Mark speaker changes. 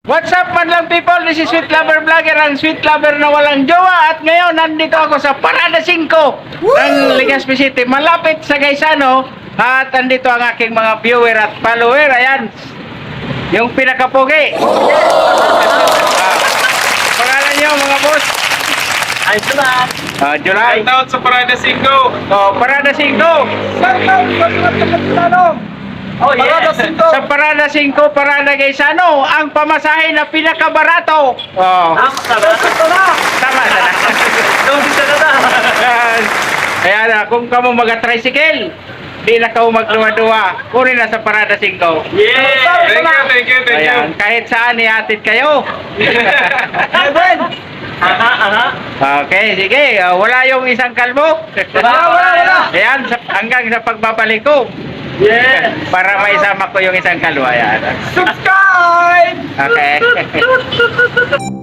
Speaker 1: What's up man lang people, this is Sweet Lover Vlogger, ang Sweet Lover na walang jowa. At ngayon, nandito ako sa Parada 5 ng Legazpi City, malapit sa Gaisano. At nandito ang aking mga viewer at follower. Ayan, yung pinakapugi. Pangalan nyo mga boss?
Speaker 2: Ay, salamat.
Speaker 1: July.
Speaker 3: Shoutout sa Parada 5.
Speaker 1: Oh, Parada 5.
Speaker 2: Oh, yes.
Speaker 1: Sa Parada 5, Parada Gaisano, ang pamasahe na pinakabarato. Oh. Tama na. Ayan, kung kamo mag-tricycle, di na ka magduwa-duwa, kunin na sa Parada 5.
Speaker 3: Yeah! Thank you.
Speaker 1: Ayan, kahit saan ihatid kayo. Okay, sige. Wala yung isang kalbo.
Speaker 2: Wala.
Speaker 1: Ayan, hanggang sa pagbabalik ko.
Speaker 2: Yeah.
Speaker 1: Para maisama ko yung isang kalwa. Ayan.
Speaker 2: Subscribe!
Speaker 1: Okay.